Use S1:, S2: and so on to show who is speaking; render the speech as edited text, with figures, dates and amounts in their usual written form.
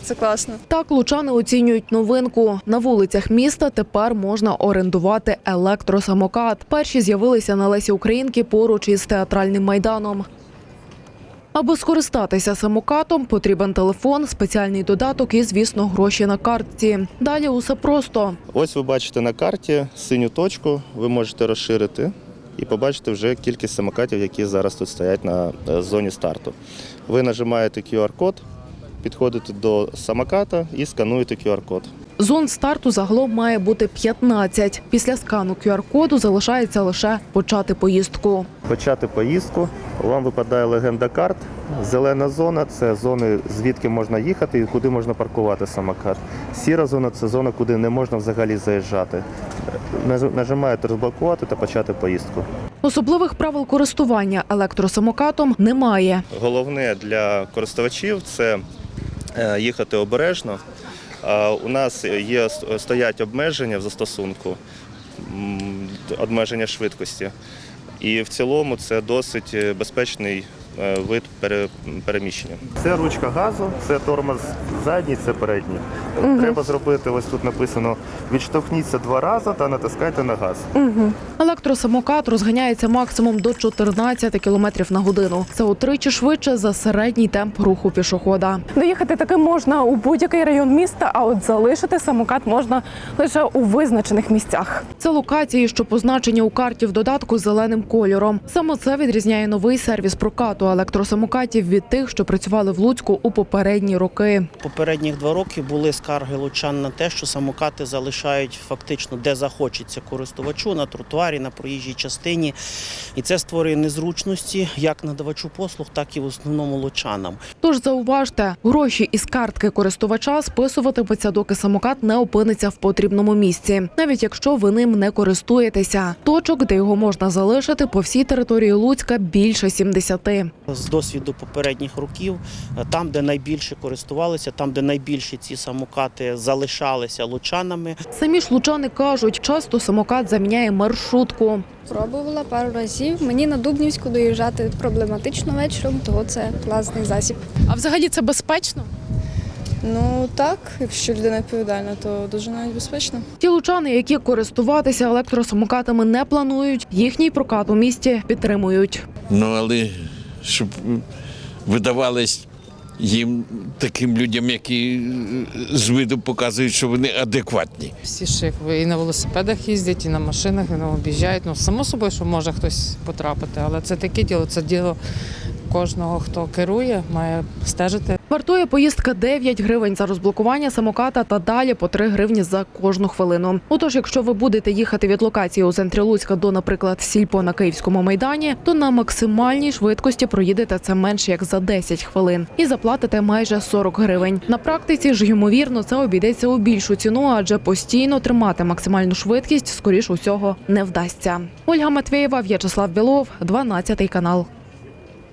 S1: це класно.
S2: Так лучани оцінюють новинку. На вулицях міста тепер можна орендувати електросамокат. Перші з'явилися на Лесі Українки поруч із театральним майданом. Аби скористатися самокатом, потрібен телефон, спеціальний додаток і, звісно, гроші на картці. Далі усе просто.
S3: Ось ви бачите на карті синю точку, ви можете розширити і побачите вже кількість самокатів, які зараз тут стоять на зоні старту. Ви нажимаєте QR-код, підходите до самоката і скануєте QR-код.
S2: Зон старту загалом має бути 15. Після скану QR-коду залишається лише почати поїздку.
S3: Почати поїздку, вам випадає легенда карт. Зелена зона – це зони, звідки можна їхати і куди можна паркувати самокат. Сіра зона – це зона, куди не можна взагалі заїжджати. Нажимаєте розблокувати та почати поїздку.
S2: Особливих правил користування електросамокатом немає.
S3: Головне для користувачів – це їхати обережно. У нас стоять обмеження в застосунку, обмеження швидкості. І в цілому це досить безпечний вид переміщення. Це ручка газу, це тормоз задній, це передній. Треба зробити, ось тут написано, відштовхніться 2 рази та натискайте на газ.
S2: Електросамокат розганяється максимум до 14 км на годину. Це утричі швидше за середній темп руху пішохода.
S4: Доїхати таки можна у будь-який район міста, а от залишити самокат можна лише у визначених місцях.
S2: Це локації, що позначені у карті в додатку зеленим кольором. Саме це відрізняє новий сервіс прокату електросамокатів від тих, що працювали в Луцьку у попередні роки.
S5: Попередніх 2 роки були скарги лучан на те, що самокати залишають фактично де захочеться користувачу, на тротуарі, на проїжджій частині. І це створює незручності як надавачу послуг, так і в основному лучанам.
S2: Тож зауважте, гроші із картки користувача списуватимуться, доки самокат не опиниться в потрібному місці, навіть якщо ви ним не користуєтеся. Точок, де його можна залишити по всій території Луцька, більше 70.
S5: З досвіду попередніх років, там, де найбільше користувалися, там, де найбільше ці самокати залишалися лучанами.
S2: Самі ж лучани кажуть, часто самокат заміняє маршрутку.
S1: Пробувала пару разів. Мені на Дубнівську доїжджати проблематично вечором, тому це класний засіб.
S4: А взагалі це безпечно?
S1: Ну так, якщо людина відповідальна, то дуже навіть безпечно.
S2: Ті лучани, які користуватися електросамокатами не планують, їхній прокат у місті підтримують.
S6: Ну, але щоб видавалось їм таким людям, які з виду показують, що вони адекватні.
S7: Всі ж і на велосипедах їздять, і на машинах, і об'їжджають. Ну, само собою, що може хтось потрапити, але це таке діло, це діло кожного, хто керує, має стежити.
S2: Вартує поїздка 9 гривень за розблокування самоката та далі по 3 гривні за кожну хвилину. Отож, якщо ви будете їхати від локації у центрі Луцька до, наприклад, Сільпо на Київському майдані, то на максимальній швидкості проїдете це менше як за 10 хвилин і заплатите майже 40 гривень. На практиці ж, ймовірно, це обійдеться у більшу ціну, адже постійно тримати максимальну швидкість, скоріш усього, не вдасться. Ольга Матвєєва, В'ячеслав Білов, 12 канал.